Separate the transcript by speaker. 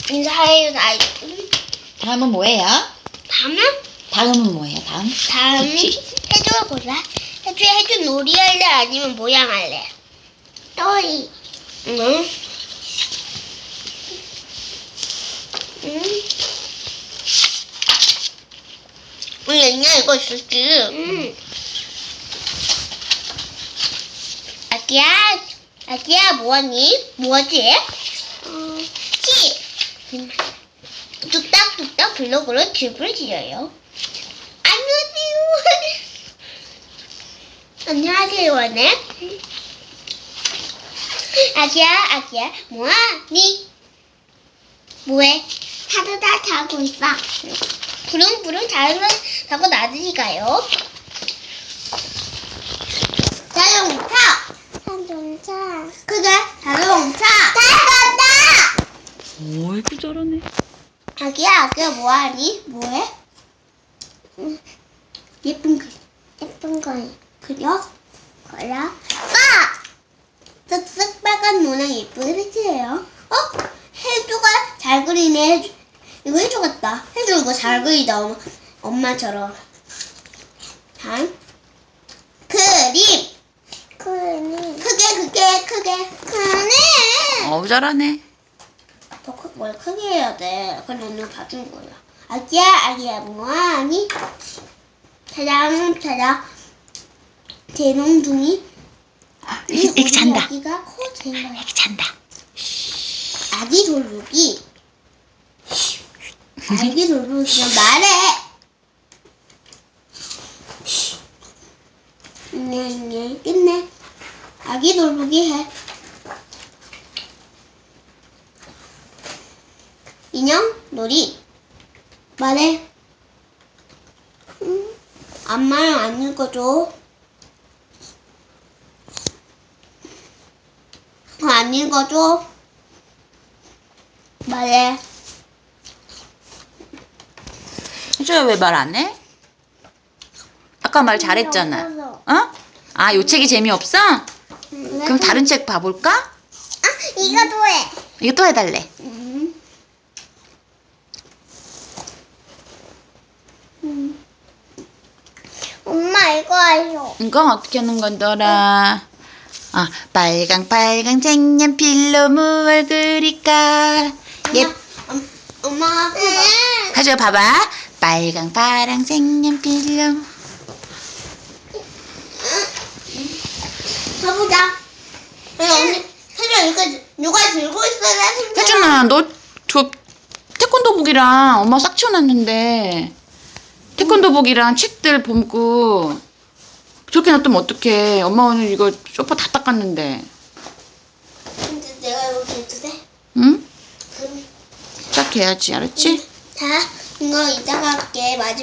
Speaker 1: 인사해요, 다.
Speaker 2: 다음은 뭐예요?
Speaker 1: 다음은?
Speaker 2: 다음은 뭐예요?
Speaker 1: 다음은 해줘 보자. 해줘 놀이 할래? 아니면 모양 할래? 놀이. 응. 얘냐 이거 있었지. 아기야 뭐하니? 뭐하지? 집. 뚝딱뚝딱 블록으로 집을 지어요. 안녕하세요. 안녕하세요, 원해. 아기야, 뭐하니? 뭐해? 하루 다 자고 있어. 부릉부릉 자고 나들이 가요. 자동차. 그게 자동차. 잘 간다.
Speaker 2: 어이구 저러네.
Speaker 1: 아기야 뭐하니? 뭐해? 예쁜 거 그려? 쓱쓱 빨간 노랑 예쁜 색이에요. 해주가 잘 그리네. 이거 해주 같다. 해주 이거 잘 그리다. 엄마처럼. 다음 그림. 크게.
Speaker 2: 어우 잘하네.
Speaker 1: 더 뭘 크게 해야 돼. 그건 오늘 봐준 거야. 아기야 뭐하니? 찾아. 대롱둥이.
Speaker 2: 애기 잔다.
Speaker 1: 아기가 제일 많아.
Speaker 2: 애기 잔다.
Speaker 1: 아기 돌보기. 아기 돌보기 그냥 말해. 네, 끝내. 아기 돌보기 해. 인형 놀이. 말해. 엄마랑 안 읽어줘. 안 읽어줘. 말해.
Speaker 2: 해줘야 왜 말 안 해? 아까 말 잘했잖아. 어? 아, 요 책이 재미없어? 그럼 다른 책 봐볼까?
Speaker 1: 이거도 해.
Speaker 2: 이거 또 해달래.
Speaker 1: 엄마 이거 해줘.
Speaker 2: 이거 어떻게 하는 건더라? 빨강 색연필로 무얼 그릴까?
Speaker 1: 엄마가
Speaker 2: 가져 봐봐. 빨강 파랑 색연필로.
Speaker 1: 가보자. 언니 혜준아 이거 누가 들고 있어야 돼?
Speaker 2: 혜준아, 너 저 태권도복이랑 엄마 싹 치워놨는데 태권도복이랑 책들 보고 저렇게 놔두면 어떡해. 엄마 오늘 이거 소파 다 닦았는데.
Speaker 1: 근데 내가 이거 해도 돼?
Speaker 2: 응?
Speaker 1: 그럼
Speaker 2: 딱 해야지, 알았지?
Speaker 1: 자 이거 이따가 할게. 마지막